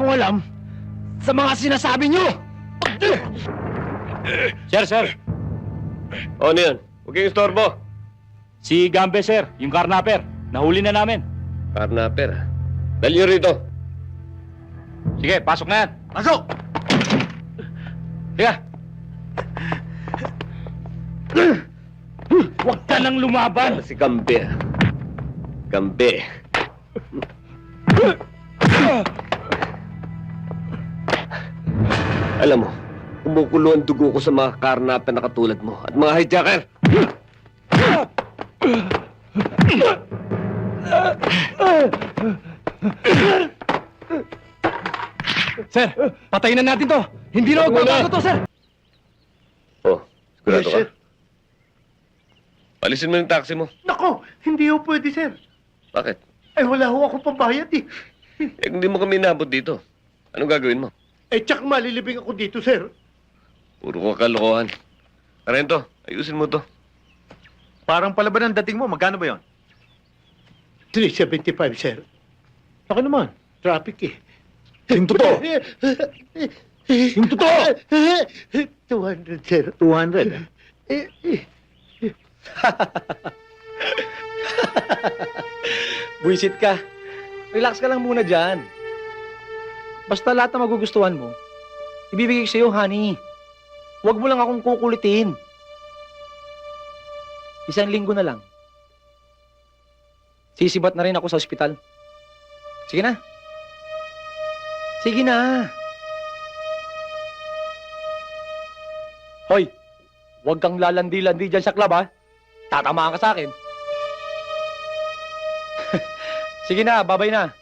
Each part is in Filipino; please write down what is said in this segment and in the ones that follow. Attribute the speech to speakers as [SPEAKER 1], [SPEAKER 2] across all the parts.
[SPEAKER 1] akong alam sa mga sinasabi niyo!
[SPEAKER 2] Sir.
[SPEAKER 3] O, ano yun? Huwag kayong istorbo.
[SPEAKER 2] Si Gambe, sir. Yung karnaper. Nahuli na namin.
[SPEAKER 3] Karnaper. Dali nyo rito.
[SPEAKER 2] Sige, pasok na yan.
[SPEAKER 1] Pasok!
[SPEAKER 2] Sige. Huwag ka nang lumaban.
[SPEAKER 3] Si Gambe. Gambe. Alam mo, kumukulo ang dugo ko sa mga karnaper na katulad mo at mga hijacker.
[SPEAKER 1] Sir, patayin na natin to! Hindi na magbabago to, sir!
[SPEAKER 3] Oh, sigurado
[SPEAKER 4] Yes,
[SPEAKER 3] ka?
[SPEAKER 4] sir.
[SPEAKER 3] Palisin mo yung taxi mo.
[SPEAKER 4] Nako, hindi ho pwede, sir.
[SPEAKER 3] Bakit?
[SPEAKER 4] Ay, wala ho akong pambayad eh.
[SPEAKER 3] Eh, kung di mo kami inabot dito, anong gagawin mo?
[SPEAKER 4] Eh, tsak malilibing ako dito, sir.
[SPEAKER 3] Puro ka kalokohan. Arento, ayusin mo to.
[SPEAKER 5] Parang palaban ang dating mo. Magkano ba yon?
[SPEAKER 4] 375, sir.
[SPEAKER 5] Ako naman.
[SPEAKER 4] Traffic eh.
[SPEAKER 5] Yung totoo. Yung totoo.
[SPEAKER 4] 200, sir.
[SPEAKER 5] 200.
[SPEAKER 1] Buisit ka. Relax ka lang muna dyan. Basta lahat na magugustuhan mo, ibibigay ko sa'yo, honey. Huwag mo lang akong kukulitin. 1 linggo na lang. Sisibat na rin ako sa ospital. Sige na. Sige na. Hoy, huwag kang lalandi-landi dyan sa club, ha? Tatamaan ka sa akin. Sige na, babay na.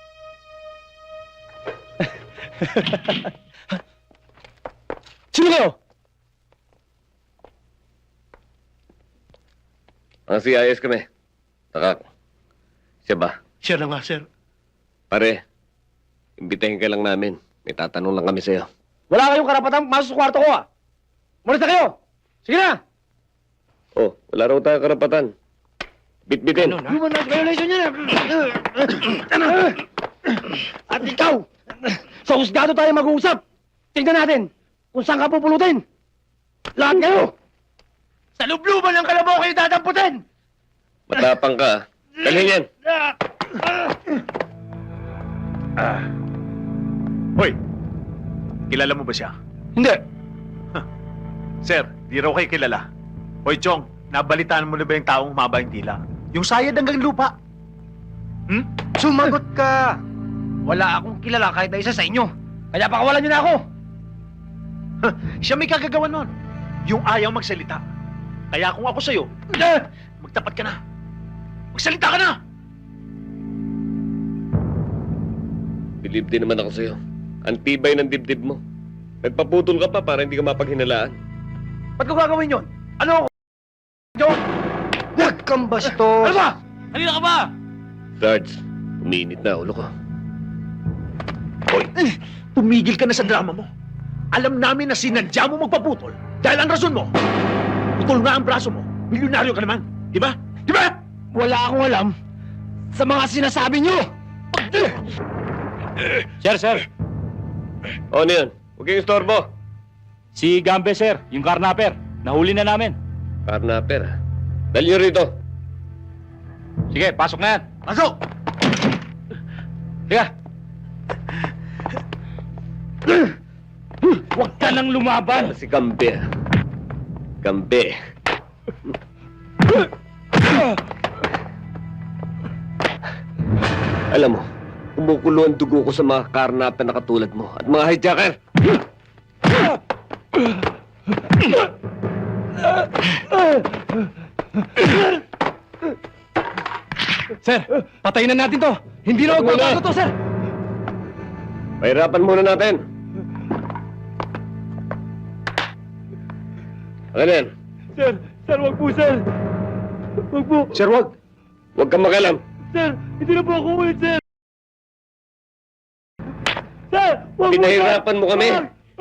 [SPEAKER 1] Sino kayo?
[SPEAKER 3] Ang CIS kami. Takak. Siya ba?
[SPEAKER 4] Siya na nga, sir.
[SPEAKER 3] Pare, imbitahin ka lang namin. May tatanong lang kami sa'yo.
[SPEAKER 1] Wala kayong karapatang masok sa kwarto ko, ha? Umalis na kayo! Sige na!
[SPEAKER 3] Oh, wala raw tayo karapatan. Bit-bitin.
[SPEAKER 1] Human rights violation yan! At ikaw! Sa husgado tayo mag-uusap! Tingnan natin kung saan ka pupulutin! Lahat kayo! Sa lubluban ng kalabaw kayo dadamputin!
[SPEAKER 3] Matapang ka, ah. Dalhin yan.
[SPEAKER 5] Hoy, kilala mo ba siya?
[SPEAKER 1] Hindi!
[SPEAKER 5] Sir, di raw kayo kilala. Hoy, Chong, nabalitaan mo na ba yung taong humaba yung tila? Yung sayad hanggang lupa.
[SPEAKER 1] Sumagot ka! Wala akong kilala kahit na isa sa inyo. Kaya pakawalan niyo na ako!
[SPEAKER 5] Siya may kagagawa nun. Yung ayaw magsalita. Kaya kung ako sa'yo, magtapat ka na. Magsalita ka na!
[SPEAKER 3] Believe din naman ako sa'yo. Ang tibay ng dibdib mo. Nagpaputol ka pa para hindi ka mapaghinalaan.
[SPEAKER 1] Ba't ko gagawin yun? Ano ako? Joke! Huwag kang bastos! Ano ba? Halina ka ba?
[SPEAKER 3] Sarge, umiinit na ulo ko.
[SPEAKER 5] Hoy, tumigil ka na sa drama mo. Alam namin na sinadya mo magpaputol dahil ang rason mo, putol nga ang braso mo. Milyonaryo ka naman. Di ba? Di ba?
[SPEAKER 1] Wala akong alam sa mga sinasabi niyo!
[SPEAKER 2] Sir.
[SPEAKER 3] O, ano yun? Huwag kayong istorbo.
[SPEAKER 2] Si Gambe, sir. Yung karnaper. Nahuli na namin.
[SPEAKER 3] Karnaper. Dali nyo rito.
[SPEAKER 2] Sige, pasok na yan.
[SPEAKER 1] Pasok!
[SPEAKER 2] Sige. Huwag ka nang lumaban.
[SPEAKER 3] Si Gambe. Gambe. Alam mo, kumukulo ang dugo ko sa mga karnaper na katulad mo at mga hijacker.
[SPEAKER 1] Sir, patayin na natin to! Hindi na magbabago to, sir!
[SPEAKER 3] Pahirapan muna natin. Ano yan?
[SPEAKER 1] Sir, wag po, sir! Wag po!
[SPEAKER 5] Sir, wag.
[SPEAKER 3] Huwag kang makalam.
[SPEAKER 1] Sir, hindi na po ako ulit, sir! Sir, wag po,
[SPEAKER 3] Pinahirapan mo kami.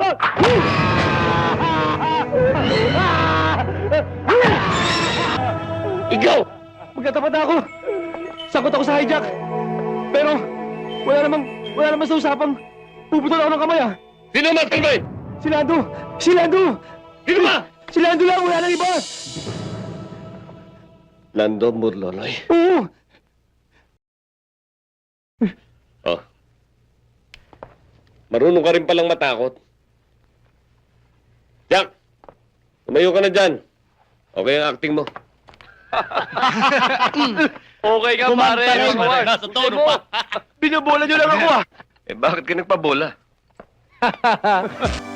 [SPEAKER 3] Ikaw!
[SPEAKER 1] Magkatapat ako! Sakot ako sa hijack! Pero, wala namang sa usapang Puputol ako ng kamay ah!
[SPEAKER 3] Sino mas kalmay?
[SPEAKER 1] Si Lando! Si Lando!
[SPEAKER 3] Sino ba?
[SPEAKER 1] Si Lando lang! Wala nang iba!
[SPEAKER 3] Lando Murlonoy.
[SPEAKER 1] Oo!
[SPEAKER 3] Oh. Marunong ka rin palang matakot. Jack! Tumayo ka na dyan. Okay ang acting mo.
[SPEAKER 6] Okay ka, pare.
[SPEAKER 2] Nasa tono pa.
[SPEAKER 1] Binabola nyo lang ako ah!
[SPEAKER 3] Eh bakit ka nagpabola?